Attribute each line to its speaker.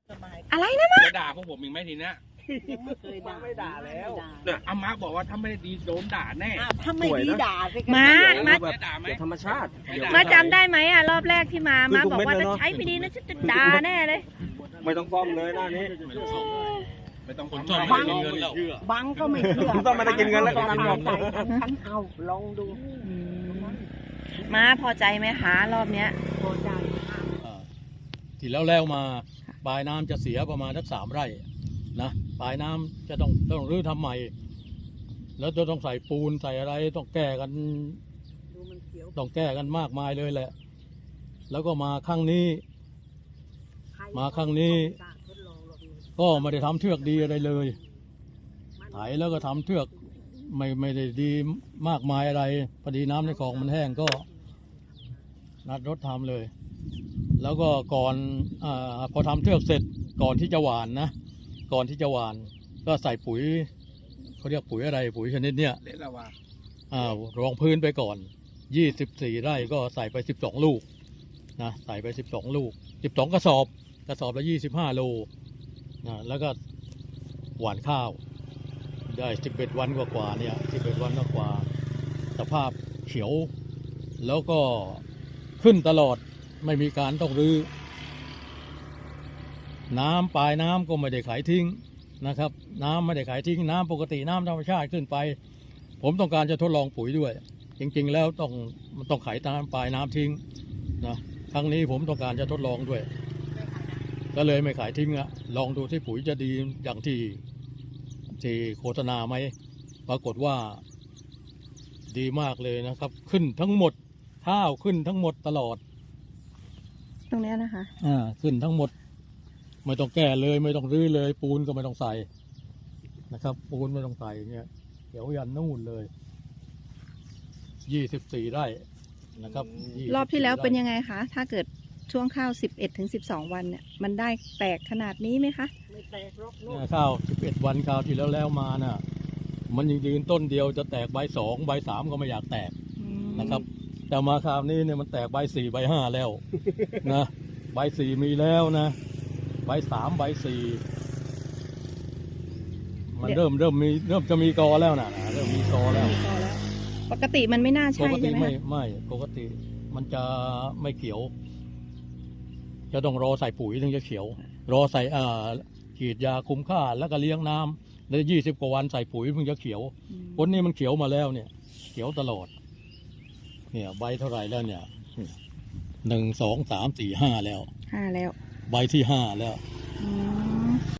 Speaker 1: อะไรนะมา
Speaker 2: จะด่าพวกผมอีกไหมทีเนี้ย
Speaker 3: ยังไม่เคยด่าไม่ด่าแล้ว
Speaker 2: เนี่ยอาม่าบอกว่าถ้าไม่ได้ดีโดนด่าแน่
Speaker 3: ถ้าไม่ดีด่าสิ
Speaker 1: มา
Speaker 2: จะด่าไหม
Speaker 4: ธรรมชาติ
Speaker 1: มาจำได้ไหมอ่ะรอบแรกที่มาบอกว่าถ้าใช้ไม่ดีนะฉันจะด่าแน่เลย
Speaker 4: ไม่ต้องฟ้องเลยหน้านี้
Speaker 2: ไม่ต้อง
Speaker 5: คนชอบ
Speaker 2: ฟั
Speaker 5: ไม่กินเงินแล้ว
Speaker 3: บังก็ไม่เชื่อ
Speaker 4: ต้องไม่ได้กินเงินแล้วก็ทำยอม
Speaker 3: ฉันเอาลองดู
Speaker 1: มาพอใจไหมหารอบเนี้ย
Speaker 3: พอใจ
Speaker 5: ที่แล้วมาปลายน้ำจะเสียประมาณสัก3 ไร่นะปลายน้ำจะต้องรื้อทำใหม่ แล้วจะต้องใส่ปูนใส่อะไรต้องแก้กัน
Speaker 3: ดูมันเขียว
Speaker 5: ต้องแก้กันมากมายเลยแหละ แล้วก็มาครั้งนี้ ก็ไม่ได้ทำเทือกดีอะไรเลยไถแล้วก็ทำเทือกไม่ได้ดีมากมายอะไรพอดีน้ำในคลองมันแห้งก็นัดรถทำเลย แล้วก็ก่อนพอทำเทือกเสร็จก่อนที่จะหว่านนะก่อนที่จะหว่านก็ใส่ปุ๋ยเขาเรียกปุ๋ยอะไรปุ๋ยชนิดเนี้ย
Speaker 2: เละละว่าร
Speaker 5: องพื้นไปก่อน24 ไร่ก็ใส่ไป12 ลูกนะใส่ไป12 ลูก12 กระสอบละ25 โลนะแล้วก็หว่านข้าวได้11 วันกว่าๆเนี่ย11 วันกว่าสภาพเขียวแล้วก็ขึ้นตลอดไม่มีการต้องรื้อน้ำปลายน้ำก็ไม่ได้ขายทิ้งนะครับน้ำไม่ได้ขายทิ้งน้ำปกติน้ำธรรมชาติขึ้นไปผมต้องการจะทดลองปุ๋ยด้วยจริงๆแล้วมันต้องขายน้ำปลายน้ำทิ้งนะครั้งนี้ผมต้องการจะทดลองด้วยก็เลยไม่ขายทิ้งอะลองดูที่ปุ๋ยจะดีอย่างที่โฆษณาไหมปรากฏว่าดีมากเลยนะครับขึ้นทั้งหมดข้าวขึ้นทั้งหมดตลอด
Speaker 1: ตรงเนี้ยนะคะ
Speaker 5: ขึ้นทั้งหมดไม่ต้องแก้เลยไม่ต้องรื้อเลยปูนก็ไม่ต้องใส่นะครับปูนไม่ต้องใส่เนี่ยเดี๋ยวยันนู่นเลย24 ไร่นะครับ
Speaker 1: รอบที่แล้วเป็นยังไงคะถ้าเกิดช่วงข้าว11 ถึง 12 วันเนี่ยมันได้แตกขนาดนี้ไหมคะ
Speaker 3: ไม่แตกหรอก
Speaker 5: ข้าว11 วันข้าวที่แล้วมาน่ะมันยังยืนต้นเดียวจะแตกใบ2ใบ3ก็ไม่อยากแตกนะครับแต่มาคราวนี้เนี่ยมันแตกใบ4ใบ5แล้วนะใบ4มีแล้วนะใบ3ใบ4มันเริ่มจะมีกอแล้วนะเริ่มมีกอแล้ว
Speaker 1: ปกติมันไม่น่า
Speaker 5: ป
Speaker 1: ใช่
Speaker 5: กติ
Speaker 1: ใช่ไหม
Speaker 5: ไม่ปกติมันจะไม่เขียว จะต้องรอใส่ปุ๋ยถึงจะเขียวรอใส่ฉีดยาคุมค่าแล้วก็เลี้ยงน้ำแล้ว20 กว่าวันใส่ปุ๋ยถึงจะเขียวผลนี้มันเขียวมาแล้วเนี่ยเขียวตลอดเนี่ยใบเท่าไหร่แล้วเนี่ย1 2 3 4 5แล้ว
Speaker 1: 5 แล้ว
Speaker 5: ใบที่5แล้ว